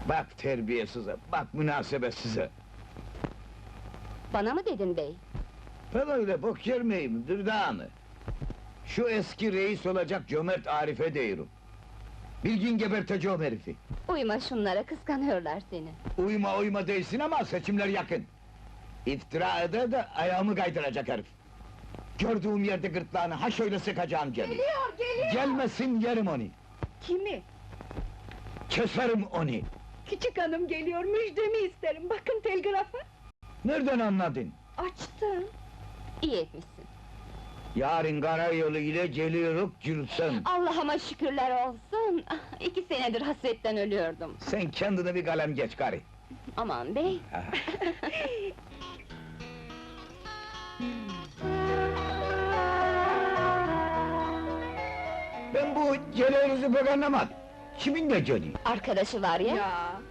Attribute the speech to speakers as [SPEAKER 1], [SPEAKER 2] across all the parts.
[SPEAKER 1] Bak terbiyesize, bak münasebetsize!
[SPEAKER 2] Bana mı dedin bey?
[SPEAKER 1] Ben öyle bok yer miyim, Dürdanı? Şu eski reis olacak cömert Arif'e diyorum. Bilgin geberteceğim herifi!
[SPEAKER 2] Uyma şunlara, kıskanıyorlar seni.
[SPEAKER 1] Uyma değilsin ama seçimler yakın! İftira eder de ayağımı kaydıracak herif! Gördüğüm yerde gırtlağını ha şöyle sıkacağım geliyor!
[SPEAKER 3] Geliyor!
[SPEAKER 1] Gelmesin yerim onu!
[SPEAKER 3] Kimi?
[SPEAKER 1] Keserim onu!
[SPEAKER 3] Küçük hanım geliyor, müjdemi isterim, bakın telgrafa!
[SPEAKER 1] Nereden anladın?
[SPEAKER 3] Açtım!
[SPEAKER 2] İyi etmişsin.
[SPEAKER 1] Yarın karayolu ile geliyoruz Gülsüm!
[SPEAKER 2] Allah'ıma şükürler olsun! 2 senedir hasretten ölüyordum.
[SPEAKER 1] Sen kendine bir kalem geç gari!
[SPEAKER 2] Aman bey!
[SPEAKER 1] Ben bu geliyoruzu pek anlamadım! Kimin de geliyor?
[SPEAKER 2] Arkadaşı var ya!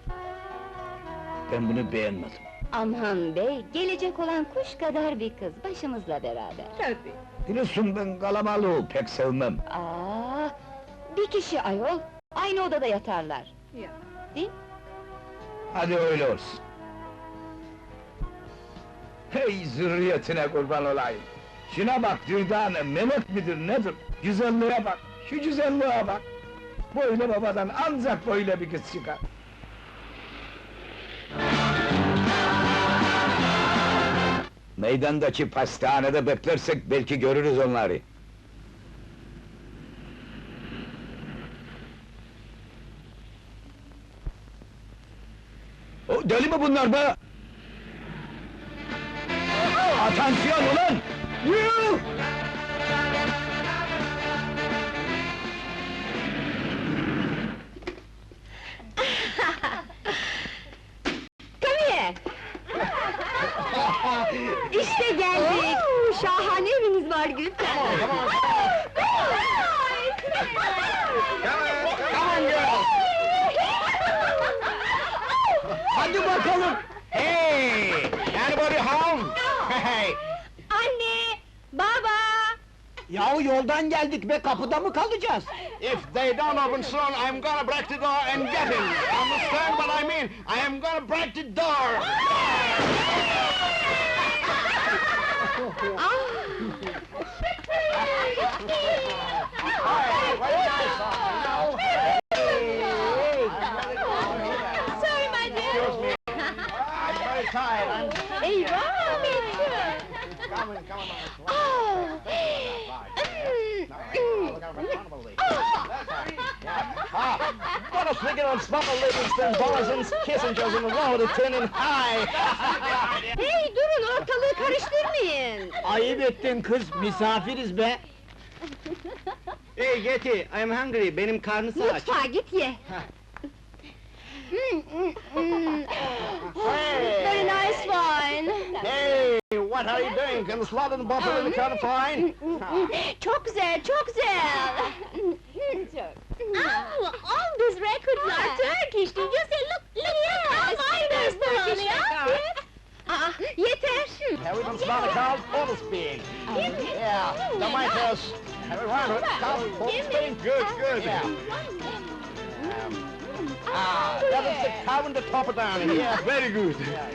[SPEAKER 1] Ben bunu beğenmedim!
[SPEAKER 2] Aman bey, gelecek olan kuş kadar bir kız, başımızla beraber.
[SPEAKER 3] Tabii!
[SPEAKER 1] Biliyorsun ben kalabalığı pek sevmem!
[SPEAKER 2] Bir kişi ayol, aynı odada yatarlar.
[SPEAKER 3] Ya!
[SPEAKER 2] Değil?
[SPEAKER 1] Hadi öyle olsun! Hey zürriyetine kurban olayım! Şuna bak Dürdane, melek midir nedir? Güzelliğe bak, şu güzelliğe bak! Böyle babadan ancak böyle bir kız çıkar! Meydandaki pastanede beklersek belki görürüz onları! O, deli mi bunlar be? Atansiyon ulan! Yuh!
[SPEAKER 2] Come here! İşte geldik! Şahane eviniz var Gülten!
[SPEAKER 1] Hadi bakalım! Hey! Anybody home? Hey!
[SPEAKER 2] Anne! Baba!
[SPEAKER 1] Yahu yoldan geldik be, kapıda mı kalacağız?
[SPEAKER 4] If they don't open soon, I'm gonna break the door and get him! Understand what I mean? I am gonna break the door!
[SPEAKER 2] Sorry my dear!
[SPEAKER 4] I'm very tired,
[SPEAKER 2] Eyvah!
[SPEAKER 4] Come on. What a thinking on smuggle Livingston, Borison's, Kissinger's in the road attending high!
[SPEAKER 2] Hey durun, ortalığı karıştırmayın!
[SPEAKER 1] Ayıp ettin kız, misafiriz be!
[SPEAKER 4] Hey Getty, I'm hungry, benim karnısı aç.
[SPEAKER 2] Mutfağa git ye! Very nice wine!
[SPEAKER 4] Hey, what are you doing? Can the slot in the bottle really kind of fine?
[SPEAKER 2] Çok güzel, çok güzel! All these records are Turkish, did you say? Look here! Mine is Turkish, yeter!
[SPEAKER 4] Have we done smell the cows? All is big. Yeah, the Michaels. Have we run it? Cows, full speed. Good. Yeah. That is the cow in the top down here. Very good.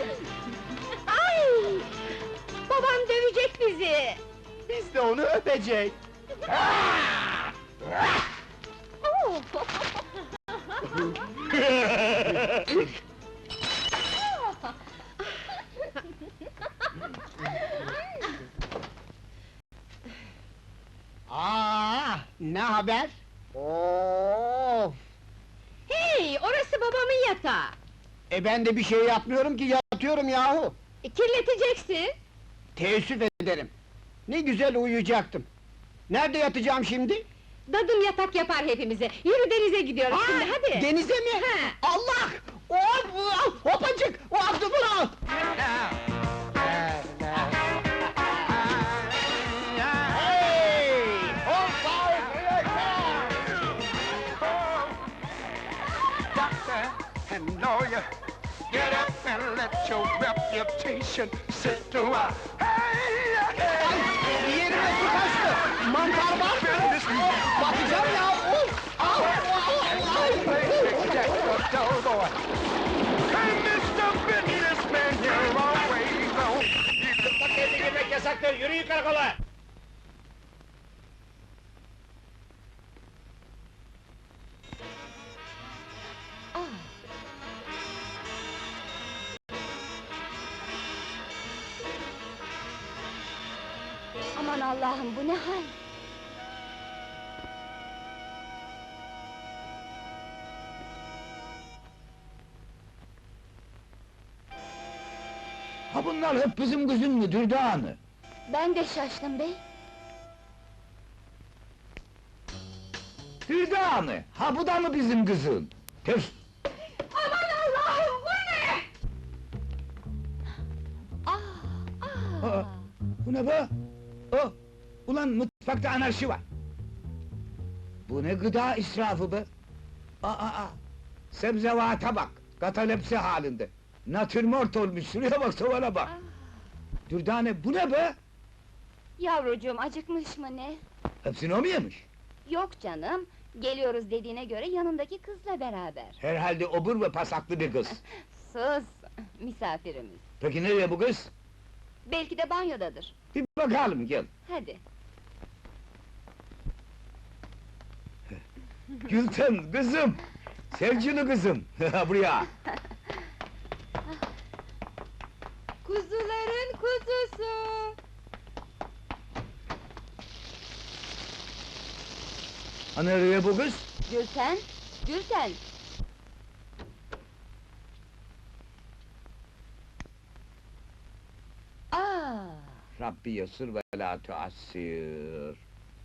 [SPEAKER 2] Ay! Babam dövecek bizi!
[SPEAKER 4] Biz de onu öpecek.
[SPEAKER 2] Oh!
[SPEAKER 1] Ne haber?
[SPEAKER 4] Of!
[SPEAKER 2] Hey, orası babamın yatağı!
[SPEAKER 1] Ben de bir şey yapmıyorum ki, yatıyorum yahu!
[SPEAKER 2] Kirleteceksin!
[SPEAKER 1] Teessüf ederim! Ne güzel uyuyacaktım! Nerede yatacağım şimdi?
[SPEAKER 2] Dadım yatak yapar hepimize! Yürü denize gidiyoruz şimdi, hadi!
[SPEAKER 1] Denize mi?
[SPEAKER 2] Ha.
[SPEAKER 1] Allah! Hopacık! O aklımı al!
[SPEAKER 4] Hey! Hold fire for your car!
[SPEAKER 5] Doctor and lawyer, get up and let your reputation sit to a
[SPEAKER 1] Yerime su kaçtı! Mantar var mı? Batacağım ya!
[SPEAKER 5] Jack, the dough boy.
[SPEAKER 4] yasaktır, yürüyün karakola!
[SPEAKER 2] Aman Allah'ım, bu ne hal?
[SPEAKER 1] Ha bunlar hep bizim kızın mı Dürdane?
[SPEAKER 2] Ben de şaştım bey.
[SPEAKER 1] Dürdane, ha bu da mı bizim kızın? Tüf!
[SPEAKER 3] Aman Allah'ım, bu ne?
[SPEAKER 1] Aa, bu ne be? Oh, ulan mutfakta anarşi var! Bu ne gıda israfı be? Aa, sebzevata bak, katalepsi halinde! Natürmort olmuş, şuraya bak, tavana bak! Dürdane, bu ne be?
[SPEAKER 2] Yavrucuğum, acıkmış mı ne?
[SPEAKER 1] Hepsini o mu yemiş?
[SPEAKER 2] Yok canım, geliyoruz dediğine göre yanındaki kızla beraber.
[SPEAKER 1] Herhalde obur ve pasaklı bir kız.
[SPEAKER 2] Sus, misafirimiz.
[SPEAKER 1] Peki nereye bu kız?
[SPEAKER 2] Belki de banyodadır.
[SPEAKER 1] Bir bakalım, gel!
[SPEAKER 2] Hadi.
[SPEAKER 1] Gülten, kızım! Sevgili kızım, buraya!
[SPEAKER 3] Kuzuların kuzusu!
[SPEAKER 1] Ha nereye bu kız?
[SPEAKER 2] Gülten, Gülten!
[SPEAKER 1] Rabbi yasır ve la tuassir.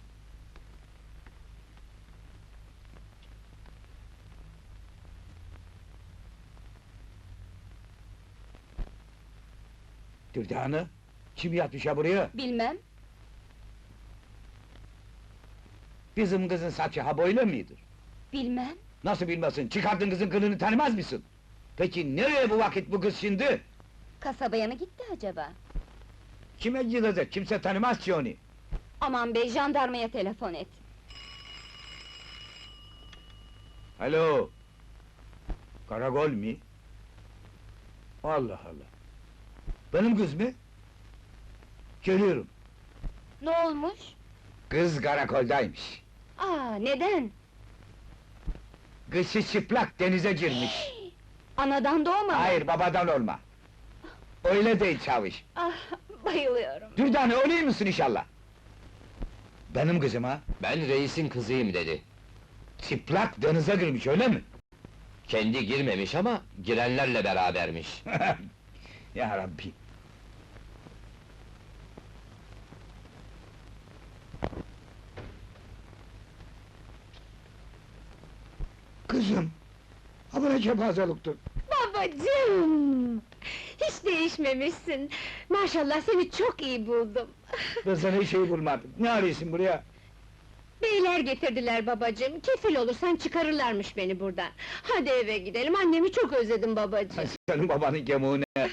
[SPEAKER 1] Dürdane, kim yatmış ha buraya?
[SPEAKER 2] Bilmem,
[SPEAKER 1] Bizim kızın saçı ha böyle midir?
[SPEAKER 2] bilmem.
[SPEAKER 1] Nasıl bilmesin, çıkardın kızın kılını tanımaz mısın? Peki nereye bu vakit bu kız şimdi?
[SPEAKER 2] Kasabaya mı gitti acaba?
[SPEAKER 1] Kime gidecek, kimse tanımaz ki onu.
[SPEAKER 2] Aman bey, jandarmaya telefon et.
[SPEAKER 1] Alo! Karakol mi? Allah Allah! Benim kız mı? Geliyorum.
[SPEAKER 2] Ne olmuş?
[SPEAKER 1] Kız karakoldaymış.
[SPEAKER 2] Neden?
[SPEAKER 1] Kışı çıplak denize girmiş.
[SPEAKER 2] Anadan doğma mı?
[SPEAKER 1] Hayır, babadan olma. Öyle değil çavuş.
[SPEAKER 2] Bayılıyorum.
[SPEAKER 1] Dürdane, öyle misin inşallah? Benim kızım ha?
[SPEAKER 6] Ben reisin kızıyım dedi.
[SPEAKER 1] Çıplak denize girmiş, öyle mi?
[SPEAKER 6] Kendi girmemiş ama girenlerle berabermiş.
[SPEAKER 1] Ya Rabbi! Kızım! Ha bu ne kepazeliktir?
[SPEAKER 3] Babacığım! Hiç değişmemişsin. Maşallah seni çok iyi buldum.
[SPEAKER 1] Ben sana hiç şey bulmadım. Ne arıyorsun buraya?
[SPEAKER 3] Beyler getirdiler babacığım. Kefil olursan çıkarırlarmış beni buradan. Hadi eve gidelim. Annemi çok özledim babacığım.
[SPEAKER 1] Senin babanın gemuğu ne?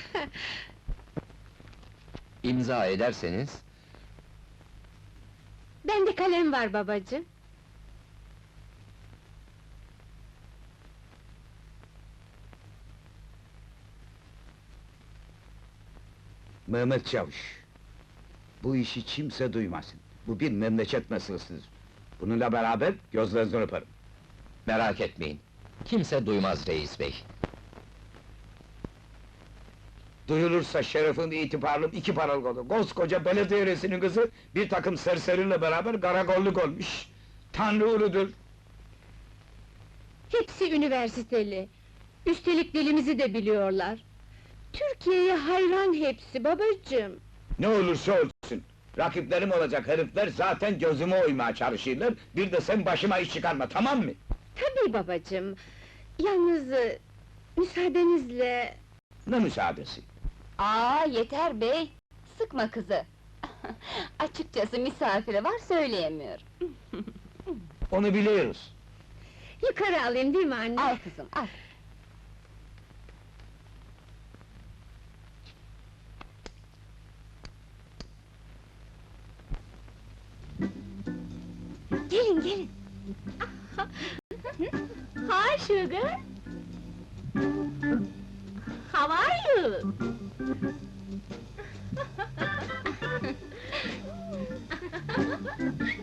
[SPEAKER 6] İmza ederseniz...
[SPEAKER 3] Bende kalem var babacığım.
[SPEAKER 1] Mehmet Çavuş! Bu işi kimse duymasın. Bu bir memleket meselesidir. Bununla beraber gözlerinizden öperim.
[SPEAKER 6] Merak etmeyin. Kimse duymaz reis bey.
[SPEAKER 1] Duyulursa şerefim, itibarım iki paralık olur. Koskoca belediye reisinin kızı, bir takım serseriyle beraber karakolluk olmuş. Tanrı uludur!
[SPEAKER 3] Hepsi üniversiteli. Üstelik dilimizi de biliyorlar. Türkiye'ye hayran hepsi babacığım.
[SPEAKER 1] Ne olursa olsun! Rakiplerim olacak herifler zaten gözüme oymaya çalışırlar, bir de sen başıma iş çıkarma, tamam mı?
[SPEAKER 3] Tabii babacığım. Yalnız müsaadenizle...
[SPEAKER 1] Ne müsaadesi?
[SPEAKER 2] Yeter bey! Sıkma kızı! Açıkçası misafiri var, söyleyemiyor.
[SPEAKER 1] Onu biliyoruz.
[SPEAKER 3] Yukarı alayım değil mi anne?
[SPEAKER 2] Al kızım, al! Gelin, gelin!
[SPEAKER 3] Hi sugar! How are you?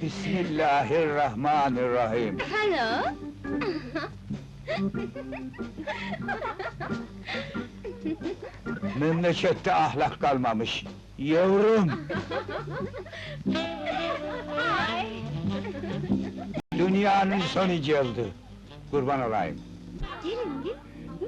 [SPEAKER 1] Bismillahirrahmanirrahim.
[SPEAKER 2] Hello.
[SPEAKER 1] Memlekette ahlak kalmamış. Yavrum,
[SPEAKER 2] Hi.
[SPEAKER 1] dünyanın son icadı. Kurban olayım.
[SPEAKER 2] Gelin, gelin.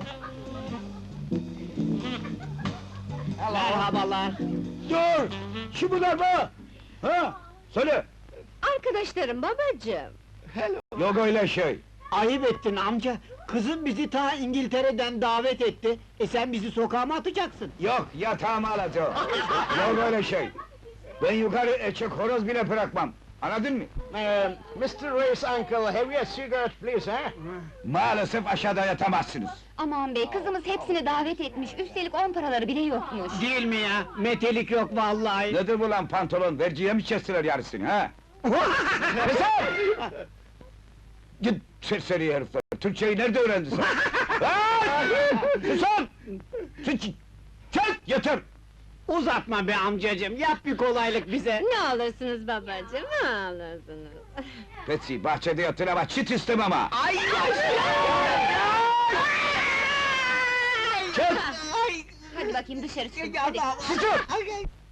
[SPEAKER 4] Merhabalar.
[SPEAKER 1] Dur! Kim bunlar be? Ha? Söyle!
[SPEAKER 3] Arkadaşlarım babacığım.
[SPEAKER 1] Yok öyle şey.
[SPEAKER 7] Ayıp ettin amca. Kızım bizi ta İngiltere'den davet etti. Sen bizi sokağa mı atacaksın?
[SPEAKER 1] Yok, yatağımı alacağım. Yok öyle şey. Ben yukarı eçek horoz bile bırakmam. Anladın mı?
[SPEAKER 4] Mr. Ray's uncle, have you a cigarette, please, huh?
[SPEAKER 1] Maalesef aşağıda yatamazsınız.
[SPEAKER 2] Aman bey, kızımız hepsini davet etmiş, üstelik 10 paraları bile yokmuş.
[SPEAKER 7] Değil mi ya? Metelik yok vallahi.
[SPEAKER 1] Nedir bu lan pantolon? Verciye mi kestiler yarısını ha? Keser! Git serseri herifler! Türkçeyi nerede öğrendin sen? Susun! Çek! Yeter!
[SPEAKER 7] Uzatma be amcacığım, yap bir kolaylık bize.
[SPEAKER 3] Ne alırsınız babacığım, ne alırsınız?
[SPEAKER 1] Betsy, bahçede yatın ama çit istemem ha!
[SPEAKER 7] Ay!
[SPEAKER 1] Çek!
[SPEAKER 2] Hadi bakayım dışarı çıkın,
[SPEAKER 7] Hadi.
[SPEAKER 1] Susun!